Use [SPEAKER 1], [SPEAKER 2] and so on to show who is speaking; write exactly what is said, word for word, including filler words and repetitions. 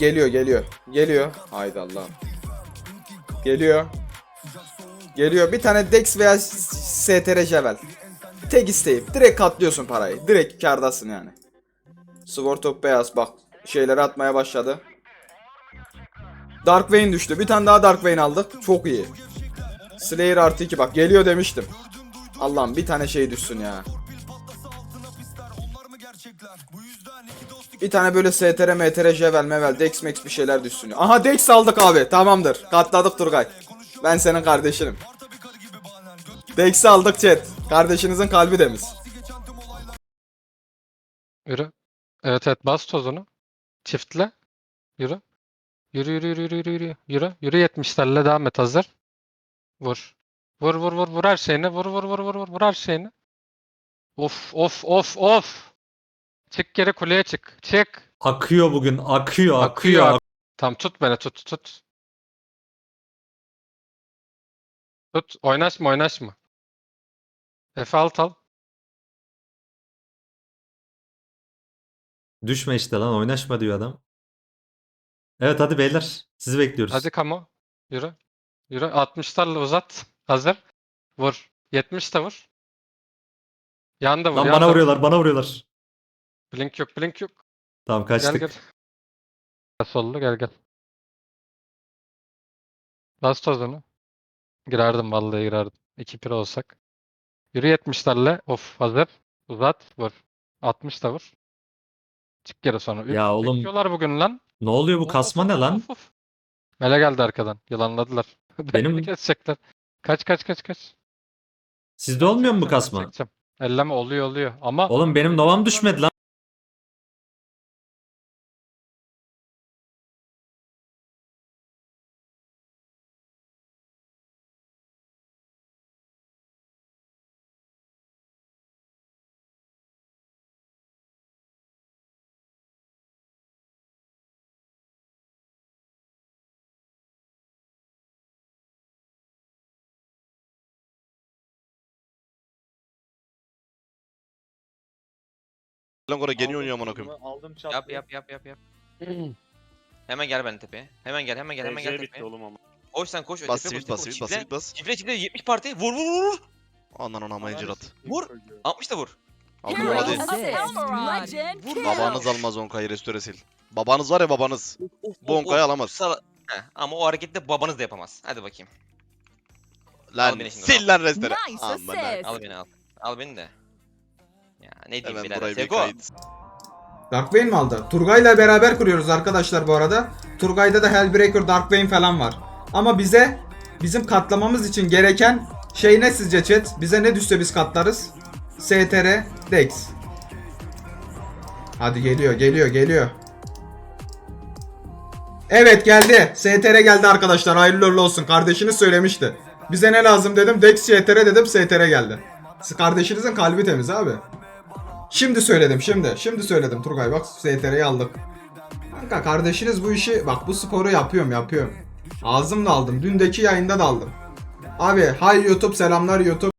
[SPEAKER 1] Geliyor geliyor. Geliyor. Haydi Allah'ım. Geliyor. Geliyor. Bir tane Dex veya S T R Javel. Tek isteğim. Direkt katlıyorsun parayı. Direkt kârdasın yani. Sword of Beyaz bak. Şeyleri atmaya başladı. Dark Vayne düştü. Bir tane daha Dark Vayne aldık. Çok iyi. Slayer artı iki bak. Geliyor demiştim. Allah'ım bir tane şey düşsün ya. Bir tane böyle S T R, M T R, Javel, Mevel, Dex, Max bir şeyler düşsün. Aha Dex aldık abi. Tamamdır. Katladık Turgay. Ben senin kardeşinim. Dex'i aldık chat. Kardeşinizin kalbi temiz.
[SPEAKER 2] Yürü. Evet evet bas tozunu. Çiftle. Yürü. Yürü yürü yürü yürü yürü yürü. Yürü. Yürü yetmişlerle devam et hazır. Vur. Vur vur vur vur her şeyini. Vur vur vur vur vur vur her şeyini. Of of of of. Çık geri kuleye çık. Çık.
[SPEAKER 3] Akıyor bugün. Akıyor.
[SPEAKER 2] Akıyor.
[SPEAKER 3] Akıyor.
[SPEAKER 2] ak- Tamam tut beni tut tut. Tut. Oynaşma oynaşma. F alt al.
[SPEAKER 3] Düşme işte lan. Oynaşma diyor adam. Evet hadi beyler. Sizi bekliyoruz.
[SPEAKER 2] Hadi Kamo. Yürü. Yürü. altmışlarla uzat. Hazır. Vur. yetmiş de vur. Yan da vur.
[SPEAKER 3] Lan
[SPEAKER 2] yan
[SPEAKER 3] bana
[SPEAKER 2] da vur.
[SPEAKER 3] vuruyorlar. Bana vuruyorlar.
[SPEAKER 2] Blink yok blink yok.
[SPEAKER 3] Tamam
[SPEAKER 2] Gel
[SPEAKER 3] kaçtık.
[SPEAKER 2] gel. Gel sollu gel gel. Bas tozunu. Girerdim vallahi girerdim. iki pir olsak. Yürü yetmişlerle. Of hazır. Uzat. Vur. altmış da vur. Çık geri sonra. Üf,
[SPEAKER 3] Ya oğlum.
[SPEAKER 2] bekliyorlar bugün lan.
[SPEAKER 3] Ne oluyor bu
[SPEAKER 2] Of,
[SPEAKER 3] kasma
[SPEAKER 2] of,
[SPEAKER 3] ne
[SPEAKER 2] of,
[SPEAKER 3] lan?
[SPEAKER 2] of, of. Mele geldi arkadan. Yılanladılar.
[SPEAKER 3] Benim-
[SPEAKER 2] Beni kesecekler. Kaç kaç kaç kaç.
[SPEAKER 3] Sizde
[SPEAKER 2] Ben
[SPEAKER 3] olmuyor mu bu
[SPEAKER 2] çekeceğim, ben
[SPEAKER 3] kasma?
[SPEAKER 2] çekeceğim. Elleme oluyor oluyor. Ama
[SPEAKER 3] Oğlum benim novam düşmedi lan.
[SPEAKER 4] Lan oraya geliyor oynuyor amına koyayım.
[SPEAKER 5] Aldım çapı.
[SPEAKER 6] Yap yap yap yap yap. Hemen gel ben tepeye. Hemen gel hemen gel hemen gel
[SPEAKER 5] bitti
[SPEAKER 6] tepeye.
[SPEAKER 5] oğlum ama.
[SPEAKER 6] Koş sen koş.
[SPEAKER 4] Bas
[SPEAKER 6] tepeye
[SPEAKER 4] sivit
[SPEAKER 6] koş,
[SPEAKER 4] bas
[SPEAKER 6] tepeye
[SPEAKER 4] sivit
[SPEAKER 6] koş.
[SPEAKER 4] bas sivit bas.
[SPEAKER 6] Çifle çifle yetmiş parti. Vur vur vur vur.
[SPEAKER 4] Anan ona mayıncır at.
[SPEAKER 6] Vur. altmış da vur.
[SPEAKER 4] Aldım hadi.
[SPEAKER 6] Vur.
[SPEAKER 4] Babanız almaz Onkay'ı restore sil. Babanız var ya babanız. Bu Onkay'ı alamaz.
[SPEAKER 6] Sala- Heh, ama o hareketi de babanız da yapamaz. Hadi bakayım.
[SPEAKER 4] Lan
[SPEAKER 6] Al beni şimdi,
[SPEAKER 4] sil lan restore.
[SPEAKER 7] Nice
[SPEAKER 4] Aman
[SPEAKER 7] assist.
[SPEAKER 6] Al beni al. Al beni de. Ya ne diyeyim
[SPEAKER 4] Hemen
[SPEAKER 6] birader.
[SPEAKER 4] burayı bir
[SPEAKER 6] Seko.
[SPEAKER 4] kayıt.
[SPEAKER 1] Dark Vayne mi aldı? Turgay'la beraber kuruyoruz arkadaşlar bu arada. Turgay'da da Hellbreaker, Dark Vayne falan var. Ama bize bizim katlamamız için gereken şey ne sizce chat? Bize ne düşse biz katlarız? S T R, Dex. Hadi geliyor, geliyor, geliyor. Evet geldi. S T R geldi arkadaşlar. Hayırlı uğurlu olsun. Kardeşiniz söylemişti. Bize ne lazım dedim. Dex, S T R dedim. S T R geldi. Kardeşinizin kalbi temiz abi. Şimdi söyledim şimdi. Şimdi söyledim Turgay bak S T R'yi aldık. Kanka kardeşiniz bu işi bak bu sporu yapıyorum yapıyorum. Ağzımla aldım. Dündeki yayında da aldım. Abi hay YouTube selamlar YouTube.